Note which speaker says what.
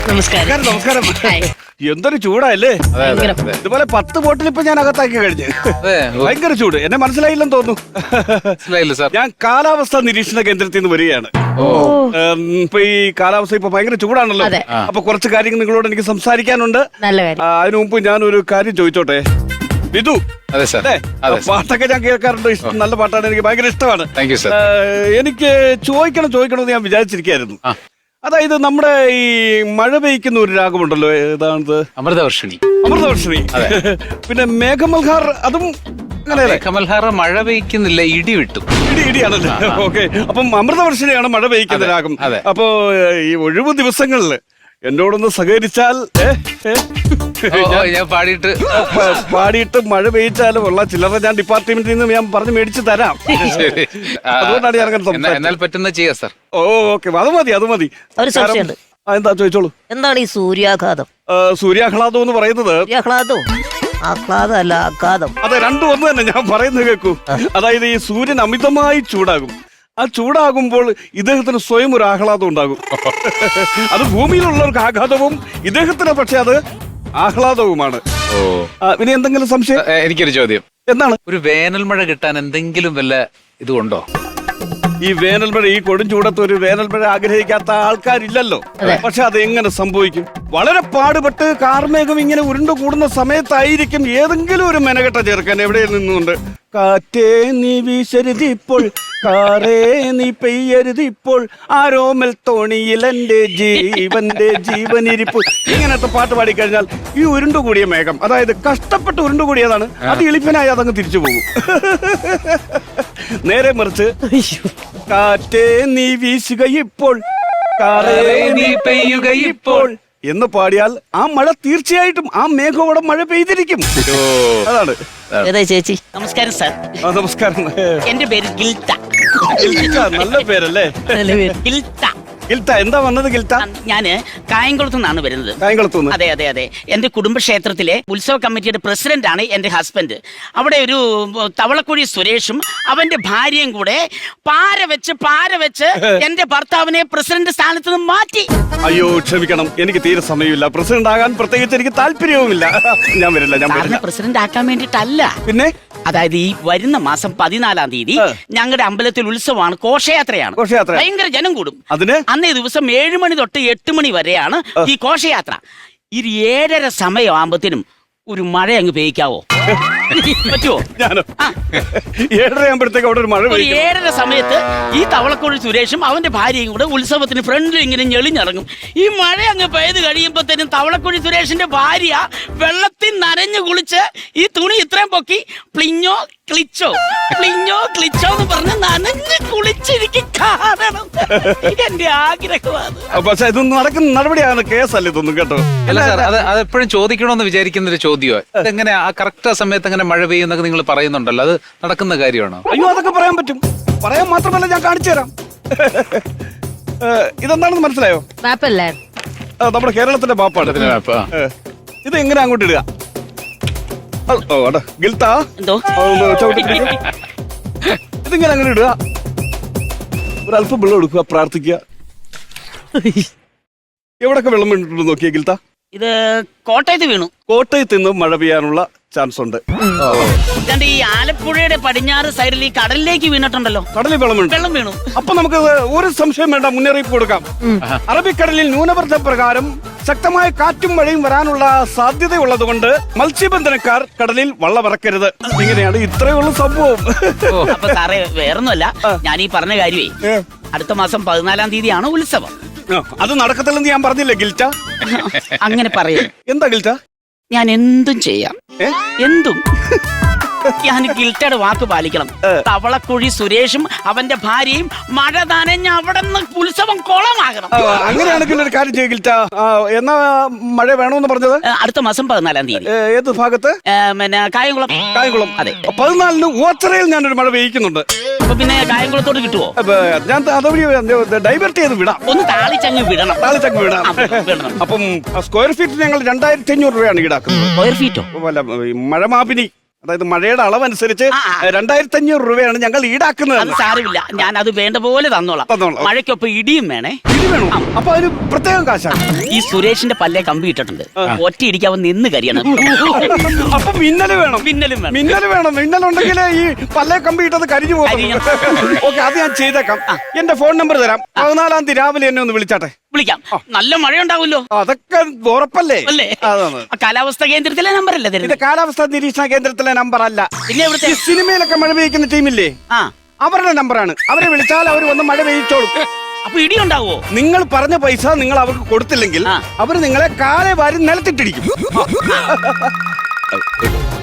Speaker 1: നമസ്കാരം.
Speaker 2: നമസ്കാരം.
Speaker 1: ഹായ്.
Speaker 2: എന്തൊരു ചൂടല്ലേ?
Speaker 1: ഭയങ്കര.
Speaker 2: ഇതുപോലെ 10 ബോട്ടിൽ ഇപ്പൊ ഞാൻ അകത്താക്കി കഴിഞ്ഞ്. ഭയങ്കര ചൂട്. എന്നെ മനസ്സിലായില്ലെന്ന് തോന്നുന്നു.
Speaker 3: സാർ.
Speaker 2: ഞാൻ കാലാവസ്ഥാ നിരീക്ഷണ കേന്ദ്രത്തിൽ നിന്ന് വരികയാണ്. ഇപ്പൊ ഈ കാലാവസ്ഥ ഇപ്പൊ ഭയങ്കര ചൂടാണല്ലോ.
Speaker 1: അതെ.
Speaker 2: അപ്പൊ കുറച്ച് കാര്യങ്ങൾ നിങ്ങളോട് എനിക്ക് സംസാരിക്കാനുണ്ട്.
Speaker 1: നല്ല കാര്യം.
Speaker 2: അതിനു മുമ്പ് ഞാനൊരു കാര്യം ചോദിച്ചോട്ടെ. വിധു,
Speaker 3: അതെ സാർ.
Speaker 2: അല്ലേ? പാട്ടൊക്കെ ഞാൻ കേൾക്കാറുണ്ട്. നല്ല പാട്ടാണ്, എനിക്ക് ഭയങ്കര ഇഷ്ടമാണ്.
Speaker 3: Thank you sir.
Speaker 2: എനിക്ക് ചോദിക്കണമെന്ന് ഞാൻ വിചാരിച്ചിരിക്കായിരുന്നു. അതായത് നമ്മുടെ ഈ മഴ പെയ്ക്കുന്ന ഒരു രാഗമുണ്ടല്ലോ, ഏതാണത്?
Speaker 3: അമൃതവർഷിണി.
Speaker 2: അമൃതവർഷിണി. പിന്നെ മേഘമൽഹാർ, അതും അങ്ങനെയല്ലേ?
Speaker 3: കമൽഹാറ മഴ പെയ്ക്കുന്നില്ല, ഇടി വിട്ടു.
Speaker 2: ഇടിയാണല്ലോ. ഓക്കെ. അപ്പം അമൃതവർഷിണിയാണ് മഴ പെയ്ക്കുന്ന രാഗം. അപ്പോ ഈ ഒഴിവ് ദിവസങ്ങളില് എന്നോടൊന്ന് സഹകരിച്ചാൽ
Speaker 3: ഞാൻ
Speaker 2: പാടിയിട്ട് മഴ പെയ്ച്ചാലും ഉള്ള ചില്ലറ ഞാൻ ഡിപ്പാർട്ട്മെന്റിൽ നിന്ന് ഞാൻ പറഞ്ഞു മേടിച്ച് തരാം. അതുകൊണ്ടാണ് ഞാൻ അങ്ങനെ
Speaker 3: എന്നാൽ പറ്റുന്ന ചെയ്യാം സാർ.
Speaker 2: ഓക്കെ, അത് മതി.
Speaker 1: ഒരു സംശയമുണ്ട്.
Speaker 2: എന്താ ചോദിച്ചോളൂ.
Speaker 1: എന്താണ് ഈ സൂര്യാഘാതം?
Speaker 2: സൂര്യാഹ്ലാദം എന്ന് പറയുന്നത്
Speaker 1: സൂര്യാഹ്ലാദവും ആഹ്ലാദം അല്ല ആഘാതം.
Speaker 2: അതെ, രണ്ടും ഒന്ന് തന്നെ. ഞാൻ പറയുന്നത് കേൾക്കൂ. അതായത് ഈ സൂര്യൻ അമിതമായി ചൂടാകും. ആ ചൂടാകുമ്പോൾ ഇദ്ദേഹത്തിന് സ്വയം ഒരു ആഹ്ലാദം ഉണ്ടാകും. അത് ഭൂമിയിലുള്ളവർക്ക് ആഘാതവും ഇദ്ദേഹത്തിന് പക്ഷെ അത് ആഹ്ലാദവുമാണ്. ഇനി എന്തെങ്കിലും സംശയം?
Speaker 3: എനിക്കൊരു ചോദ്യം.
Speaker 2: എന്താണ്?
Speaker 3: ഒരു വേനൽ മഴ കിട്ടാൻ എന്തെങ്കിലും വല്ല ഇതുണ്ടോ?
Speaker 2: ഈ വേനൽമഴ, ഈ കൊടും ചൂടത്ത് ഒരു വേനൽമഴ ആഗ്രഹിക്കാത്ത ആൾക്കാരില്ലല്ലോ. പക്ഷെ അത് എങ്ങനെ സംഭവിക്കും? വളരെ പാടുപെട്ട് കാർമേഘം ഇങ്ങനെ ഉരുണ്ടു കൂടുന്ന സമയത്തായിരിക്കും ഏതെങ്കിലും ഒരു മെനകെട്ട ചെറുക്കൻ എവിടെ നിന്നുകൊണ്ട് കാറ്റേ നീ വീശരുതിപ്പോൾ, കാറേ നീ പെയ്യരുതിപ്പോൾ, ആരോമൽ തോണിയിൽ എന്റെ ജീവനിരിപ്പ്, ഇങ്ങനത്തെ പാട്ട് പാടിക്കഴിഞ്ഞാൽ ഈ ഉരുണ്ടുകൂടിയ മേഘം, അതായത് കഷ്ടപ്പെട്ട് ഉരുണ്ടുകൂടിയതാണ്, അത് എളിപ്പനായി അതങ്ങ് തിരിച്ചു പോകും. നേരെ മറിച്ച് കാറ്റേ നീ വീശുക ഇപ്പോൾ, കാറേ നീ പെയ്യുക ഇപ്പോൾ എന്ന് പാടിയാൽ ആ മഴ തീർച്ചയായിട്ടും ആ മേഘോടെ മഴ പെയ്തിരിക്കും. അതാണ്.
Speaker 1: ചേച്ചി
Speaker 4: നമസ്കാരം സാർ.
Speaker 2: നമസ്കാരം.
Speaker 4: എന്റെ പേര് ഗിൽത്ത.
Speaker 2: നല്ല പേരല്ലേ?
Speaker 4: ഗിൽത്ത.
Speaker 2: ഗിൽത്ത, എന്താ വന്നത് ഗിൽത്ത?
Speaker 4: ഞാന് കായംകുളത്തു നിന്നാണ് വരുന്നത്.
Speaker 2: കായംകുളത്തുനിന്ന്?
Speaker 4: അതെ അതെ അതെ. എന്റെ കുടുംബക്ഷേത്രത്തിലെ ഉത്സവ കമ്മിറ്റിയുടെ പ്രസിഡന്റ് ആണ് എന്റെ ഹസ്ബൻഡ്. അവിടെ ഒരു തവളക്കുഴി സുരേഷും അവന്റെ ഭാര്യയും കൂടെ പാര വെച്ച് എന്റെ ഭർത്താവിനെ പ്രസിഡന്റ് സ്ഥാനത്ത് നിന്ന് മാറ്റി.
Speaker 2: അയ്യോ ക്ഷമിക്കണം, എനിക്ക് തീരെ സമയമില്ല. പ്രസിഡന്റ് ആകാൻ പ്രത്യേകിച്ച് എനിക്ക് താല്പര്യവുമില്ല. ഞാൻ വരില്ല.
Speaker 4: പ്രസിഡന്റ് ആക്കാൻ വേണ്ടിട്ടല്ല.
Speaker 2: പിന്നെ
Speaker 4: അതായത് ഈ വരുന്ന മാസം 14-ാം തീയതി ഞങ്ങളുടെ അമ്പലത്തിൽ ഉത്സവമാണ്, ഘോഷയാത്രയാണ്. ഭയങ്കര ജനം കൂടും. അന്നേ ദിവസം 7 മണി തൊട്ട് 8 മണി വരെയാണ് ഈ ഘോഷയാത്ര. ഇത് 7:30 സമയമാകുമ്പത്തിനും ഒരു മഴ അങ്ങ് പെയ്ക്കാവോ? പറ്റുമോ?
Speaker 2: 7:30 അവിടെ ഒരു മഴ.
Speaker 4: 7:30 സമയത്ത് ഈ തവളക്കുഴി സുരേഷും അവന്റെ ഭാര്യയും കൂടെ ഉത്സവത്തിന് ഫ്രണ്ടിൽ ഇങ്ങനെ ഞെളിഞ്ഞിറങ്ങും. ഈ മഴ അങ്ങ് പെയ്ത് കഴിയുമ്പോഴത്തേനും തവളക്കുഴി സുരേഷിന്റെ ഭാര്യ വെള്ളത്തിൽ നനഞ്ഞു കുളിച്ച് ഈ തുണി ഇത്രയും പൊക്കി പ്ലിഞ്ഞോ ക്ലിച്ചോ എന്ന് പറഞ്ഞ് നനഞ്ഞ് കുളിച്ചിരിക്കും കാണണം. എന്റെ ആഗ്രഹമാണ്.
Speaker 2: പക്ഷെ ഇതൊന്നും നടക്കുന്ന നടപടിയാണ്, കേസല്ല ഇതൊന്നും കേട്ടോ.
Speaker 3: അല്ല സാർ, അതെപ്പോഴും ചോദിക്കണമെന്ന് വിചാരിക്കുന്ന ഒരു ചോദ്യമോ? ഇതെങ്ങനെ ആ കറക്റ്റ് സമയത്ത് അങ്ങനെ മഴ പെയ്യുന്നൊക്കെ നിങ്ങൾ പറയുന്നുണ്ടല്ലോ, അത് നടക്കുന്ന കാര്യമാണോ?
Speaker 2: അയ്യോ, അതൊക്കെ പറയാൻ പറ്റും. പറയാൻ മാത്രമല്ല, ഞാൻ കാണിച്ചു തരാം. ഇതെന്താണെന്ന് മനസ്സിലായോ?
Speaker 1: മാപ്പല്ലേ?
Speaker 2: നമ്മുടെ കേരളത്തിന്റെ മാപ്പാണ്. ഇത് എങ്ങനെ അങ്ങോട്ട് ഇടുക? ഗിൽത്ത, ഇതിങ്ങനെ അങ്ങനെ ഇടുക. ഒരല്പം വെള്ളം എടുക്കുക, പ്രാർത്ഥിക്കുക. എവിടൊക്കെ വെള്ളം വീണിട്ടുണ്ട് നോക്കിയ ഗിൽത്ത?
Speaker 4: ഇത് കോട്ടയത്ത് വീണു.
Speaker 2: കോട്ടയത്ത് നിന്ന് മഴ പെയ്യാനുള്ള ചാൻസ് ഉണ്ട്.
Speaker 4: ഈ ആലപ്പുഴയുടെ പടിഞ്ഞാറ് സൈഡിൽ ഈ കടലിലേക്ക് വീണിട്ടുണ്ടല്ലോ.
Speaker 2: കടലിൽ വെള്ളം വീണു. അപ്പൊ നമുക്ക് ഒരു സംശയം വേണ്ട, മുന്നറിയിപ്പ് കൊടുക്കാം. അറബിക്കടലിൽ ന്യൂനമർദ്ദ പ്രകാരം ശക്തമായ കാറ്റും മഴയും വരാനുള്ള സാധ്യതയുള്ളത് കൊണ്ട് മത്സ്യബന്ധനക്കാർ കടലിൽ വള്ളമിറക്കരുത്. ഇങ്ങനെയാണ് ഇത്രയുള്ള സംഭവം.
Speaker 4: അപ്പൊ സാറേ, വേറൊന്നുമല്ല, ഞാൻ ഈ പറഞ്ഞ കാര്യമേ, അടുത്ത മാസം 14-ാം തീയതിയാണ് ഉത്സവം.
Speaker 2: അത് നടക്കത്തില്ലെന്ന് ഞാൻ പറഞ്ഞില്ലേ ഗിൽറ്റ?
Speaker 4: അങ്ങനെ പറയാം.
Speaker 2: എന്താ ഗിൽറ്റ?
Speaker 4: ഞാൻ എന്തും ചെയ്യാം, എന്തും. ഞാൻ ഗിൽറ്റയുടെ വാക്ക് പാലിക്കണം. തവളക്കുഴി സുരേഷും അവന്റെ ഭാര്യയും മഴ നനഞ്ഞ അവിടെ നിന്ന് ഉത്സവം കുളമാകണം.
Speaker 2: അങ്ങനെയാണെങ്കിൽ ഒരു കാര്യം ചെയ്യ ഗിൽറ്റ. എന്നാ മഴ വേണമെന്ന് പറഞ്ഞത്?
Speaker 4: അടുത്ത മാസം 14-ാം തീയതി.
Speaker 2: ഏത് ഭാഗത്ത്?
Speaker 4: പിന്നെ കായംകുളം. അതെ,
Speaker 2: 14-ന് ഓച്ചറയിൽ ഞാനൊരു മഴ പെയ്യിക്കുന്നുണ്ട്.
Speaker 4: അപ്പൊ പിന്നെ കായംകുളത്തോട് കിട്ടുമോ?
Speaker 2: ഞാൻ അതുവഴി ഡൈവേർട്ട് ചെയ്ത് വിടാം.
Speaker 4: ഒന്ന് താളിച്ചങ്ങ് വിടണം.
Speaker 2: അപ്പം സ്ക്വയർ ഫീറ്റ് ഞങ്ങൾ 2500 രൂപയാണ് ഈടാക്കുന്നത്.
Speaker 4: സ്ക്വയർ ഫീറ്റോ?
Speaker 2: മഴമാപിനി അതായത് മഴയുടെ അളവനുസരിച്ച് 2500 രൂപയാണ് ഞങ്ങൾ ഈടാക്കുന്നത്.
Speaker 4: അത് സാരമില്ല, ഞാൻ അത് വേണ്ട പോലെ തന്നോളാം.
Speaker 2: തന്നോളാം.
Speaker 4: മഴയ്ക്കൊപ്പം ഇടിയും വേണേ.
Speaker 2: ഇടി വേണോ? അപ്പൊ അതിന് പ്രത്യേകം കാശാണ്.
Speaker 4: ഈ സുരേഷിന്റെ പല്ലേ കമ്പി ഇട്ടിട്ടുണ്ട്, ഒറ്റ ഇടിക്കാവൻ നിന്ന് കരിയണം.
Speaker 2: അപ്പൊ മിന്നല് വേണം.
Speaker 4: മിന്നലും വേണം.
Speaker 2: മിന്നല് വേണം. മിന്നലുണ്ടെങ്കിലേ ഈ പല്ലേ കമ്പി ഇട്ടത് കരിഞ്ഞു പോകും. ഓക്കെ, അത് ഞാൻ ചെയ്തേക്കാം. എന്റെ ഫോൺ നമ്പർ തരാം. 14-ാം തീയതി രാവിലെ എന്നെ ഒന്ന് വിളിച്ചാട്ടെ.
Speaker 4: വിളിക്കാം. നല്ല മഴ ഉണ്ടാവുമല്ലോ.
Speaker 2: അതൊക്കെ ഉറപ്പല്ലേ?
Speaker 4: അല്ലേ?
Speaker 2: അതാണ്.
Speaker 4: കാലാവസ്ഥാ കേന്ദ്രത്തിലെ നമ്പർ അല്ലേ
Speaker 2: ഇത്
Speaker 4: തരുന്നത്?
Speaker 2: കാലാവസ്ഥാ നിരീക്ഷണ കേന്ദ്രത്തിലെ നമ്പർ അല്ല.
Speaker 4: പിന്നെ എവിടുത്തെ?
Speaker 2: ഈ സിനിമയിലൊക്കെ മഴ പെയ്യിക്കുന്ന ടീമില്ലേ, അവരുടെ നമ്പറാണ്. അവരെ വിളിച്ചാൽ അവർ വന്ന് മഴ പെയ്യിച്ചോളും.
Speaker 4: അപ്പൊ ഇടി ഉണ്ടാവോ?
Speaker 2: നിങ്ങൾ പറഞ്ഞ പൈസ നിങ്ങൾ അവർക്ക് കൊടുത്തില്ലെങ്കിൽ അവർ നിങ്ങളെ കാലെ വാരി നിലത്തിട്ടിടിക്കും.